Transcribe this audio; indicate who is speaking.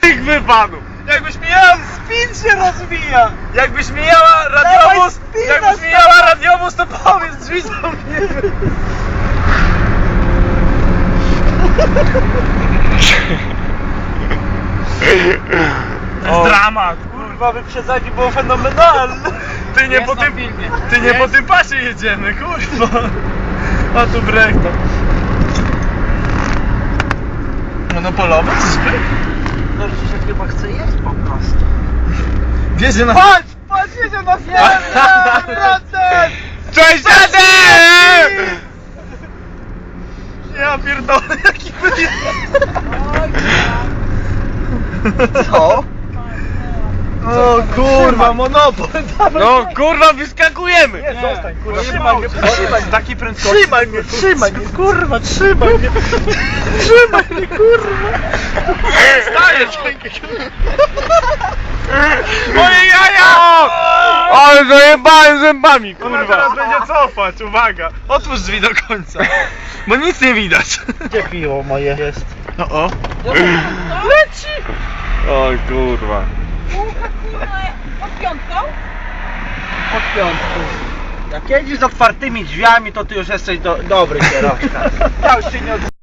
Speaker 1: tych wypadł! Jakbyś mijała...
Speaker 2: Spin się rozwija!
Speaker 1: Jakbyś mijała radiowóz...
Speaker 2: spina
Speaker 1: Jakbyś mijała radiowóz, to powiedz, drzwi zamknięte. To jest dramat.
Speaker 2: Kurwa, wyprzedzanie było fenomenalne!
Speaker 1: Ty nie po tym... Ty nie po tym pasie jedziemy, kurwa. A tu brechta. Monopolowy, czyżby?
Speaker 2: No się chyba chce jeść po prostu.
Speaker 1: Wiezie na...
Speaker 2: Patrz! Patrz, jedzie na wracę!
Speaker 1: Cześć, dziady! Ja pierdolę, jaki wyjazd.
Speaker 2: Co? O kurwa, monopol!
Speaker 1: No kurwa, wyskakujemy!
Speaker 2: Nie, zostań, kurwa,
Speaker 1: Trzymaj mnie,
Speaker 2: trzymaj
Speaker 1: z takiej prędkości.
Speaker 2: trzymaj mnie, kurwa, trzymaj mnie! Trzymaj mnie, kurwa!
Speaker 1: Stajesz! Moje jaja! Ale zajebałem zębami, kurwa! Teraz będzie cofać, uwaga! Otwórz drzwi do końca, bo nic nie widać.
Speaker 2: Gdzie piwo moje jest?
Speaker 1: O! Leci! O kurwa.
Speaker 3: Pod piątką?
Speaker 2: Od piątku. Jak jedziesz z otwartymi drzwiami, to ty już jesteś dobry kierowca. Ja już się nie